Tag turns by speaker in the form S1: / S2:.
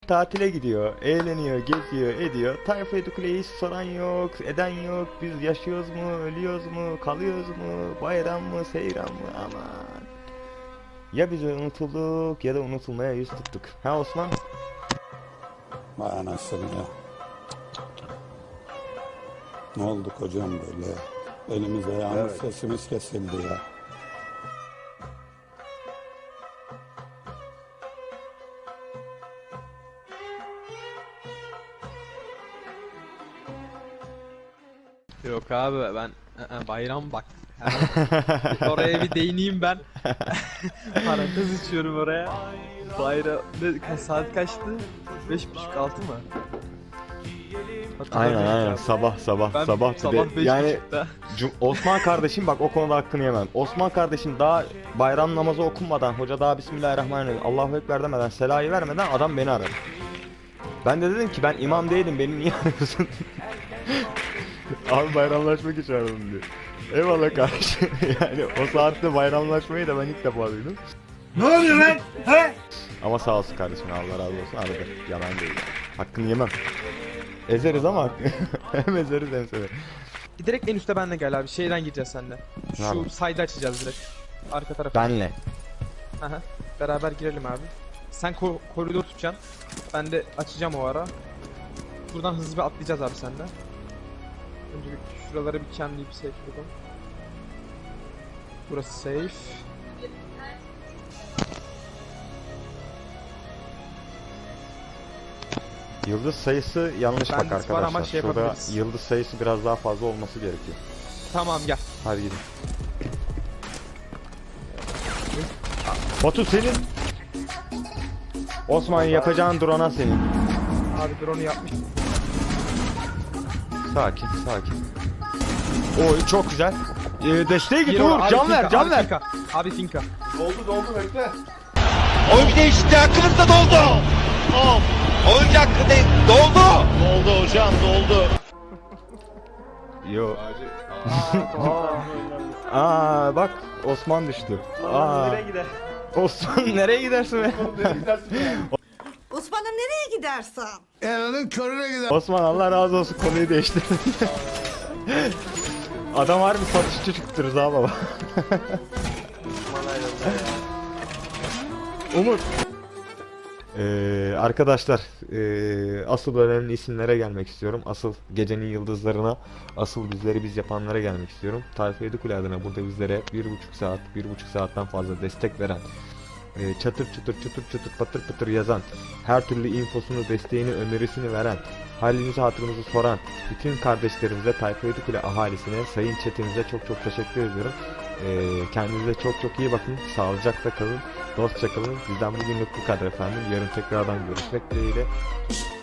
S1: tatile gidiyor, eğleniyor, geziyor, ediyor. Tayfa Edikule'yi hiç soran yok, eden yok. Biz yaşıyoruz mu, ölüyoruz mu, kalıyoruz mu, bayram mı, seyran mı, aman. Ya biz unutulduk ya da unutulmaya yüz tuttuk. Ha Osman?
S2: Vay anasını ya. Ne olduk hocam böyle ya? Elimiz ayağımız sesimiz kesildi ya.
S3: Yok abi ben bayram bak. Oraya bir değineyim ben. Parantez içiyorum oraya. Bayram saat kaçtı? 5.30-6 mı?
S1: Aynen sabah
S3: Ben
S1: sabah bir de
S3: 5.30'da.
S1: yani Osman kardeşim bak o konuda hakkını yemem. Osman kardeşim daha bayram namazı okunmadan, hoca daha Bismillahirrahmanirrahim Allahu Ekber demeden, selayı vermeden adam beni aradı. Ben de dedim ki ben imam değilim, beni niye arıyorsun? Abi bayramlaşmak için aradım diyor. Eyvallah kardeşim. Yani o saatte bayramlaşmayı da ben ilk defa duydum.
S4: Ne oluyor lan? He?
S1: Ama sağ olsun kardeşim, Allah razı olsun, aradı. Yalan değil. Hakkını yemem. Ezeriz ama hem ezeriz hem severiz.
S3: Direkt en üstte benle gel abi. Şeyden gireceğiz seninle.
S1: Tamam.
S3: Şu side'ı açacağız direkt. Arka tarafa.
S1: Benle.
S3: Aha. Beraber girelim abi. Sen koridor tutacaksın. Ben de açacağım o ara. Buradan hızlı bir atlayacağız abi sende. Önce şuraları bir camleyip safe yapalım. Burası safe.
S1: Yıldız sayısı yanlış bak
S3: Bendis var ama
S1: arkadaşlar.
S3: şey
S1: Şurada
S3: yapabiliriz.
S1: yıldız sayısı biraz daha fazla olması gerekiyor.
S3: Tamam gel.
S1: Hadi gidin. Batu senin. Osman yapacağın drone'a senin.
S3: Abi drone'u yapmış.
S1: Sakin sakin. Oy çok güzel. Desteğe git
S3: Gir
S1: Uğur,
S3: abi,
S1: can
S3: finka,
S1: ver can
S3: abi
S1: ver.
S3: Finka. Abi finka.
S4: Doldu bekle.
S5: Oyun değişti, hakkınızda doldu. Oyuncu hakkı doldu. Doldu hocam, doldu.
S1: Yo. Aa bak Osman düştü. Aa.
S3: gider?
S1: Osman nereye gidersin be?
S6: Osman'ım nereye gidersen?
S4: Elinin körüne gider.
S1: Osman Allah razı olsun, konuyu değiştir. Adam harbi satışçı çıktırız ha baba. Umut. Arkadaşlar asıl önemli isimlere gelmek istiyorum. Asıl gecenin yıldızlarına, asıl bizleri biz yapanlara gelmek istiyorum. Tayfa Edikule adına burada bizlere 1,5 saat, 1,5 saatten fazla destek veren, çatır çatır patır patır yazan, her türlü infosunu, desteğini, önerisini veren, halimizi hatırımızı soran bütün kardeşlerimize, Tayfa Edikule ahalisine, sayın chatimize çok çok teşekkür ediyorum. Kendinize çok çok iyi bakın, sağlıcakla kalın, dostça kalın. Bizden bugünlük bu kadar efendim. Yarın tekrardan görüşmek dileğiyle.